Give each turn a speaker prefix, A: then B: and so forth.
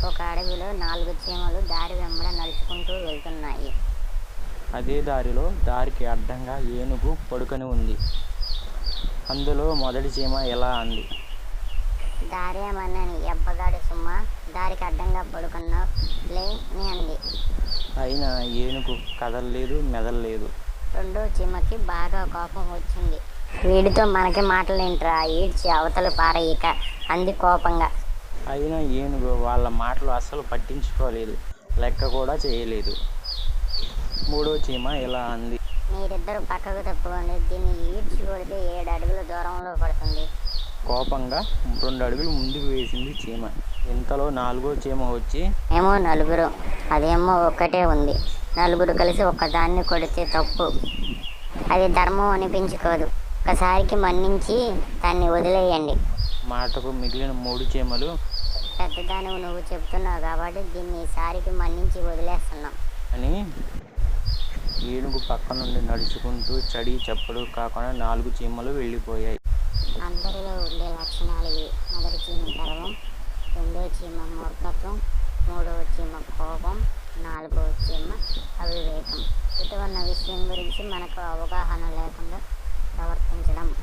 A: ఒక అడవిలో 4 చీమలు దారి వెంబడ నడుచుకుంటూ వెళ్తున్నాయి.
B: అదే దారిలో దారికి అడ్డంగా ఏనుగు పడుకొని ఉంది. అందులో మొదటి చీమ ఇలా అంది.
A: దారేమన్నాని ఎబ్బగాడి సుమ్మ, దారికి అడ్డంగా పడుకున్నావులే అని అంది.
B: అయినా ఏనుగు కదలలేదు, మెదలలేదు.
A: రెండో చీమకి బాగా కోపం వచ్చింది. వీడితో మనకి మాటలేంట్రా, ఈడ్చి అవతల పారేయక అంది కోపంగా.
B: అయినా ఏనుగు వాళ్ళ మాటలు అస్సలు పట్టించుకోలేదు, లెక్క కూడా చేయలేదు. మూడో చీమ ఇలా అంది.
A: మీరిద్దరు పక్కకు తప్పుకోండి, దీన్ని ఈడ్చి కొడితే 7 అడుగుల దూరంలో పడుతుంది.
B: కోపంగా 2 అడుగులు ముందుకు వేసింది చీమ. ఇంతలో 4వ చీమ వచ్చి,
A: ఏమో నలుగురు, అదేమో ఒక్కటే ఉంది. నలుగురు కలిసి ఒక్కదాన్ని కొడితే తప్పు, అది ధర్మం అనిపించుకోదు. ఒకసారికి మన్నించి దాన్ని వదిలేయండి.
B: మాటకు మిగిలిన 3 చీమలు,
A: పెద్దదానివి నువ్వు చెప్తున్నావు కాబట్టి దీన్ని ఈసారికి మన్నించి వదిలేస్తున్నాం
B: అని ఏనుగు పక్క నుండి నడుచుకుంటూ చడి చప్పుడు కాకుండా 4 చీమలు వెళ్ళిపోయాయి.
A: అందరిలో ఉండే లక్షణాలు ఇవి. మొదటి చీమ గర్వం, రెండో చీమ మూర్ఖత్వం, మూడవ చీమ కోపం, 4వ చీమ అవివేకం. ఎదుట ఉన్న విషయం గురించి మనకు అవగాహన లేకుండా ప్రవర్తించడం.